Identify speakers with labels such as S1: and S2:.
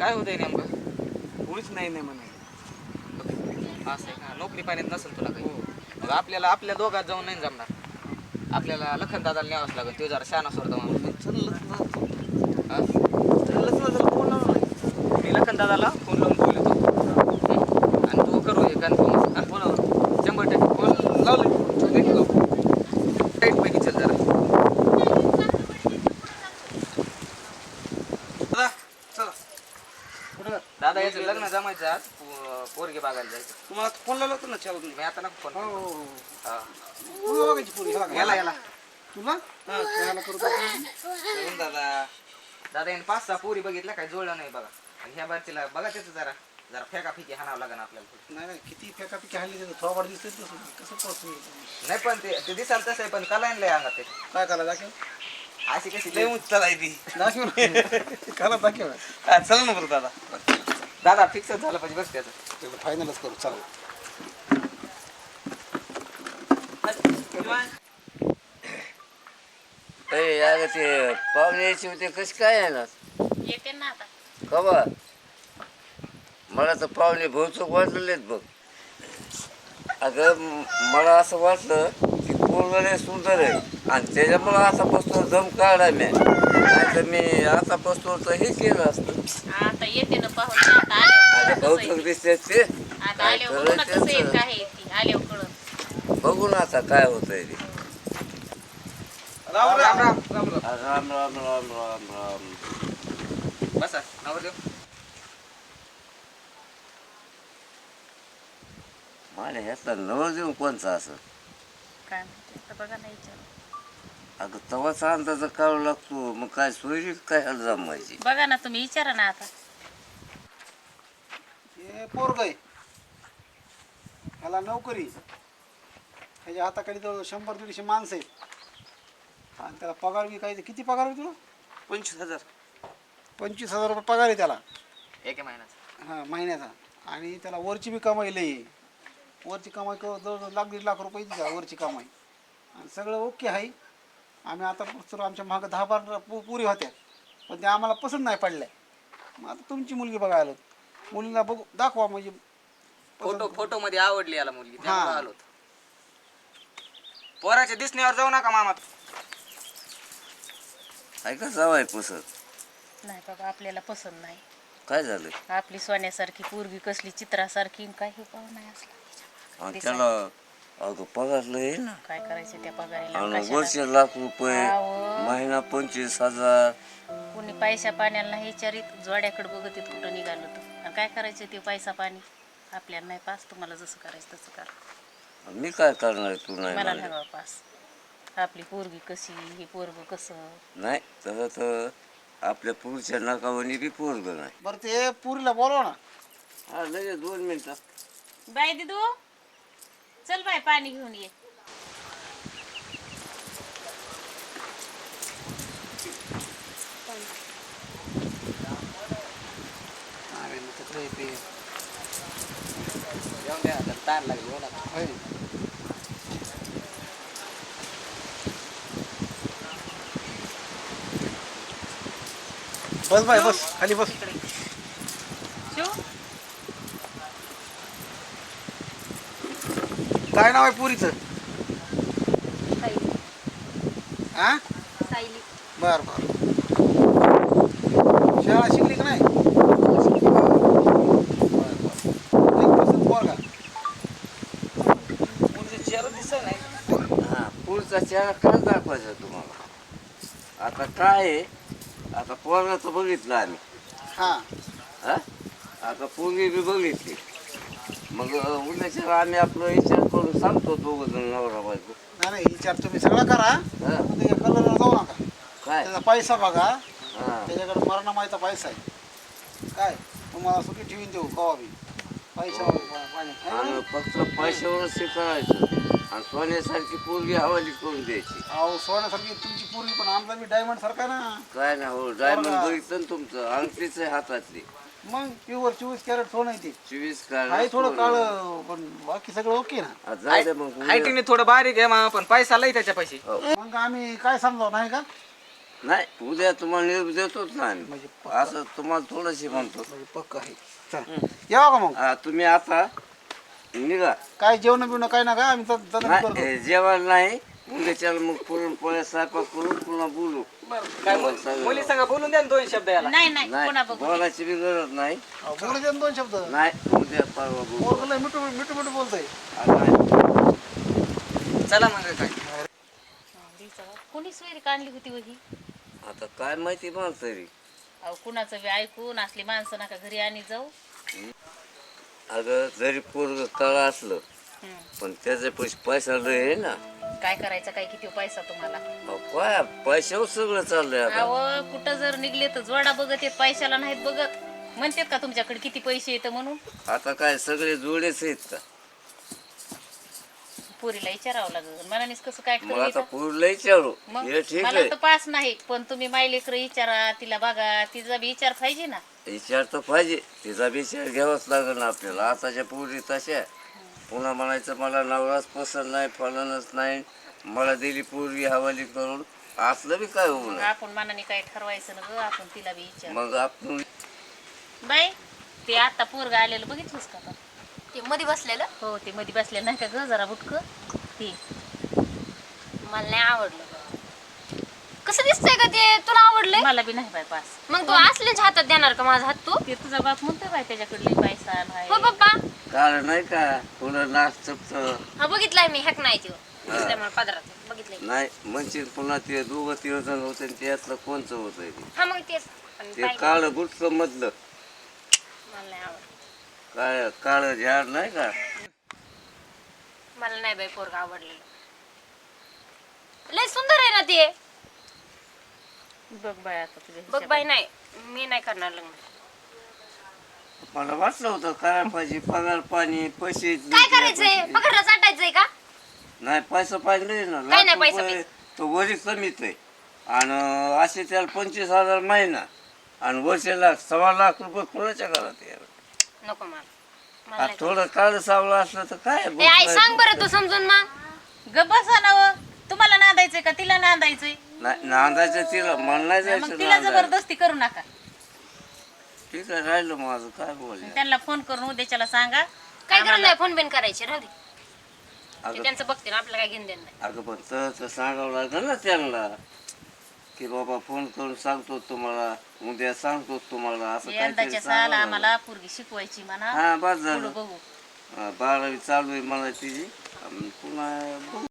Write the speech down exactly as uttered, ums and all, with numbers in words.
S1: काय होतंय नेमकं?
S2: कोणीच नाही नाही म्हणे.
S1: असं आहे का? नोकरी पाण्यात नसेल तुला काही. मग आपल्याला आपल्या दोघात जाऊन नाही जमणार. आपल्याला लखन दादाला न्यावंच लागेल. तो जरा शहाणा सोडतो माणूस. हा?
S2: चललंच ना जरा फोन लावला नाही.
S1: मी लखन दादाला फोन लावून बोलतो आणि तू करू हे कन्फर्म.
S2: फोन
S1: शंभर टक्के
S2: फोन लावले.
S1: टाईट पैकी चल जरा.
S2: दादा चला कुठं
S1: दादा याचं लग्न जमायचं आज पो- पोरगी बघायला जायचं.
S2: तुम्हाला फोन लावला होता ना चालू
S1: मी आता नको फोन
S2: हो हो हो
S1: हा.
S2: पुरी बघायची पुरी ह्याला का?
S1: याला याला
S2: तुला हा ह्याला करू का?
S1: येऊन दादा दादा याने पाच सहा पोरी बघितल्या काय जुळलं नाही बघा. आणि ह्या बारचीला बघा त्याचं जरा जरा फेका फेकी हाणावं लागेल आपल्याला.
S2: नाही नाही किती फेकापिकी हल्ली त्याचं थोबाड दिसतंय तसं कसं पोहोचू
S1: नाही पण ते ते दिसायला तसं आहे पण कला लय अंगात ते
S2: काय करा दाखव
S1: अशी कशी लय उंच चालायची.
S2: दाखव करा दाखव
S1: हा, चला ना बरं दादा. दादा फिक्सच झालं पाहिजे बस त्याचं.
S2: तेवढं फायनलच करू चला.
S3: अरे यार ते पाहुणे यायचे होते कसे काय येणार
S4: येते ना आता.
S3: कवा मला तर पाहुणे बहुचूक वाटलेलेत बघ. अगं म- मला असं वाटलं की पोरगं सुंदर आहे आणि त्याच्यामुळं आता पस्तो दम काढा मी नाही तर मी आता पस्तो तर हे केलं असतं.
S4: आता येते ना पाहून आता आल्यावर
S3: आता
S4: कसं
S3: बहुचूक
S4: आहे.
S3: दिसते ते
S4: आता
S3: काय
S4: आल्यावर बघू ना कसं आहे
S3: करायचं
S4: काय आहे ती आल्यावर कळत.
S3: बघू ना आता काय होतंय ते.
S2: राम राम
S1: राम राम राम
S3: राम राम राम राम राम.
S1: बसा नवरदेव.
S3: मला ह्यातला नवर देऊन कोणचा असं
S4: काय म्हणते तर बघा ना विचार.
S3: अगं तवाचा अंदाज काढू लागतो मग काय सोयरी काय ह्याला जमायची.
S4: बघा ना तुम्ही विचारा ना आता.
S2: हे पोरग आहे ह्याला नोकरी ह्याच्या हाताखाली जवळ शंभर दीडशे माणसं आहेत आणि त्याला पगार बी काही किती पगार आहे तुला
S1: पंचवीस हजार
S2: पंचवीस हजार रुपये पगार आहे त्याला
S1: एक महिन्याचा.
S2: हां महिन्याचा आणि त्याला वरची बी कमाई लई आहे. वरची कमाई क जवळजवळ लाख दीड लाख रुपये येते त्याला वरची कमाई आणि सगळं ओके आहे. आम्ही आता तर आमच्या मागं दहा बारा पु पुरी होत्या पण त्या आम्हाला पसंत नाही पडल्या. मग आता तुमची मुलगी बघायला आलो मुलीला बघू दाखवा म्हणजे
S1: फोटो फोटो मध्ये आवडली याला मुलगी त्यामुळे
S2: हा.
S1: आलो होतो. पोराच्या दिसण्यावर जाऊ नका मामा.
S3: ऐका जावाय पसंत
S4: नाही बाबा आपल्याला पसंत नाही.
S3: काय झालं
S4: आपली सोन्यासारखी पूर्वी कसली चित्रासारखी काही पाहू नाही असला.
S3: आणि त्याला अगं पगारलं आहे ना
S4: काय करायचं त्या पगारीला
S3: आणि
S4: कशाला?
S3: वर्ष लाख रुपये
S4: अहो.
S3: महिना पंचवीस हजार
S4: कोणी पैसा पाण्याला नाही विचारित जोड्याकडे बघत येत कुठं निघालं तर आणि काय करायचं ते पैसा पाणी आपल्याला नाही पास. तुम्हाला जसं करायचं तसं करा.
S3: मी काय करणार आहे, तू नाही
S4: मला नाही
S3: म्हणलं.
S4: बाबा पास. आपली पोरगी कशी हे पोरग कसं.
S3: नाही तसं तर आपल्या पुढच्या नाकावणी बी पोरग नाही.
S2: बरं ते पुरीला बोलवा ना
S3: हा लगेच दोन मिनिटात
S4: बाय दिदू चल बाय पाणी घेऊन ये.
S2: अरे मग तिकडे येते
S1: जाऊन द्या आता ताण लागली हो ना.
S2: होय. बस बाय बस खाली बस.
S4: शिव
S2: काय नाव आहे पुरीचं हा
S4: सायली
S2: बर बर शाळा शिकली का नाही पोरगा
S1: मुलीचा चेहरा दिसत नाही.
S3: हा पुढचा चेहरा काय दाखवायचा तुम्हाला. आता काय आहे आता पोरगाचं बघितलं आम्ही
S2: हा
S3: हा आता पोरगी बी बघितली मग उद्याच्या आम्ही आपलं विचार करून सांगतो दोघं जण नवरा बायको.
S2: नाही नाही विचार तुम्ही सगळं करा
S3: हा
S2: त्याच्या कलरला जाऊ नका.
S3: काय
S2: त्याचा पैसा बघा
S3: हा
S2: त्याच्याकडे मरणा माहिती पैसा आहे काय तुम्हाला सुखी ठेवीन देऊ कवा बी पैसा पाणी
S3: आणि फक्त पैशावरच शिकायचं आणि सोन्यासारखी पोरगी हवाली करून द्यायची.
S2: अहो सोन्यासारखी तुमची पूर्वी पण आमचा बी डायमंड सारखा आहे ना
S3: काय ना हो डायमंड
S2: पोरगा.
S3: बघितलं ना तुमचं अंगठीच आहे हातातली
S2: मग प्युअर चोवीस कॅरेट सोनं आहे ते
S3: चोवीस
S2: आहे
S3: काय
S2: थोडं काळ पण बाकी सगळं ओके ना.
S3: जाऊ दे मग उद्या.
S1: हायटीने थोडं बारीक आहे मामा पण पैसा लई त्याच्या पैसे.
S3: हो.
S2: मग आम्ही काय समजावं नाही का
S3: नाही उद्या तुम्हाला निरोप देतोच ना आम्ही.
S2: म्हणजे
S3: असं तुम्हाला थोडंशी म्हणतो.
S2: म्हणजे पक्क आहे चला यावं का मग
S3: हा, तुम्ही आता निघा.
S2: काय जेवण बिवणं काय ना काय आम्ही तर- तर
S3: नाही
S2: करतो
S3: ए, जेवण नाही उद्याच्याला मग पुरणपोळ्या स्वयंपाक करून पुन्हा बोलू.
S1: काय मुल- मुली संग बोलून द्या ना दोन शब्द याला.
S4: नाही नाही कोणा
S3: नाही
S4: बघू
S3: बोलायची बी गरज नाही.
S2: अहो, बोलू दे ना दोन शब्द
S3: नाही उद्या परवा बोलू.
S2: पोरगं लय मिठू मिठू मिठू बोलतोय
S3: आ, नाही.
S1: चला मग काय
S4: कोणी सोयरी काढली होती वही
S3: आता काय माहिती मला तरी.
S4: अहो कुणाचं बी ऐकून असली माणसं नका घरी आणि जाऊ
S3: अगं जरी पोरग तळ असलं
S4: हम्म.
S3: पण त्याचे पैसे पैसा लय आहे ना.
S4: काय करायचं काय किती पैसा तुम्हाला
S3: अहो, काय पैशावर सगळं चाललंय आता.
S4: अहो कुठं जर निघले तर जोडा बघत येत पैशाला नाहीत बघत म्हणतात का तुमच्याकडे किती पैसे येतं म्हणून
S3: आता काय सगळे जोडेच आहेत का.
S4: पोरीला विचारावं लागेल मनानेच कसं काय
S3: मग
S4: करू
S3: आता
S4: येतं?
S3: पोरीला विचारू
S4: मग
S3: हे ठीक
S4: मला
S3: आहे.
S4: तर पास नाही पण तुम्ही मायलेकर विचारा तिला बघा तिचा बी विचार पाहिजे ना
S3: विचार तर पाहिजे तिचा विचार घ्यावाच लागेल ना आपल्याला. आताच्या पोरी तशा पुन्हा म्हणायचं मला नवराच पसंत नाही फलनच नाही मला दिली पोरगी हवाली करून असलं बी काय होऊ
S4: मग
S3: नये.
S4: आपण मनाने काय ठरवायचं ना ग आपण तिला बी विचार
S3: मग आपण
S4: बाई ते आता पोरगा आलेलं बघितलंस का आता?
S5: ते मध्ये बसलेलं
S4: हो ते मध्ये बसले नाही का ग जरा बुटक ते
S5: मला नाही आवडलं कसं दिसतंय का ते तुला आवडलंय
S4: मला बी नाही बाय पास
S5: मग तू असल्याच हातात देणार का माझा हात तू
S4: ते तुझा बाप म्हणतोय बाय त्याच्याकडले पैसा नाही
S5: हो पप्पा
S3: कारण नाही का पुन्हा नाक चपत
S5: हा बघितलाय मी हॅक नाही तो दिसलाय मला पदरात बघितलंय
S3: नाही म्हणशील पुन्हा ते दोघं तिघ जण होते आणि त्यातलं कोणचं होतंय ते.
S5: हा मग तेच पण
S3: ते
S5: पाहिलं.
S3: काळ गुटचं मधलं
S5: मला नाही आवडलं
S3: काय काळ झाड नाही का.
S5: मला नाही बाई पोरगा आवडलेलं लय सुंदर आहे ना ते
S4: बघ बाय आता तुझ्या
S5: बघ बाई नाही मी नाही करणार लग्न
S3: मला वाटलं होतं करायला पाहिजे पगार पाणी पैसे
S5: काय करायचंय पकडला चाटायचंय का
S3: नाही पैसा पाहिजे ना
S5: काय
S3: लाख
S5: नाही पैसा
S3: रुपये तो वरी कमीच आहे आणि असे त्याला पंचवीस हजार महिना आणि वर्षाला सव्वा लाख रुपये कोणाच्या घरात आहे?
S5: नको मला मला
S3: आ,
S5: नाही
S3: थोडं काळ सावळं असलं तर काय
S5: करायचं. ए, आई सांग बरं तू समजून मग
S4: ग बसा ना व. तुम्हाला नांदायचंय का तिला नांदायचंय
S3: नाही नांदायचं तिला मला नाही
S4: मग
S3: जायचं
S4: तिला
S3: नांदायला.
S4: जबरदस्ती करू नका
S3: ठीक आहे राहिलं माझं काय बोल
S4: त्यांना फोन करून उद्याच्याला सांगा
S5: काय गरज नाही फोन बिन करायची राहू दे ते
S3: अगं
S5: त्यांचं बघते ना आपल्याला काय घेऊन देणं नाही
S3: अगं पण तर सांगावं लागेल ना त्यांना की बाबा फोन करून सांगतो तुम्हाला उद्या सांगतो तुम्हाला असं काहीतरी
S4: यंदाच्या साल
S3: सांगावं लागेल.
S4: आम्हाला पोरगी शिकवायची म्हणा
S3: हा बस
S4: पुढं
S3: झालं
S4: बघू
S3: हा, बारावी चालू आहे मला तिची अन पुन्हा बघू.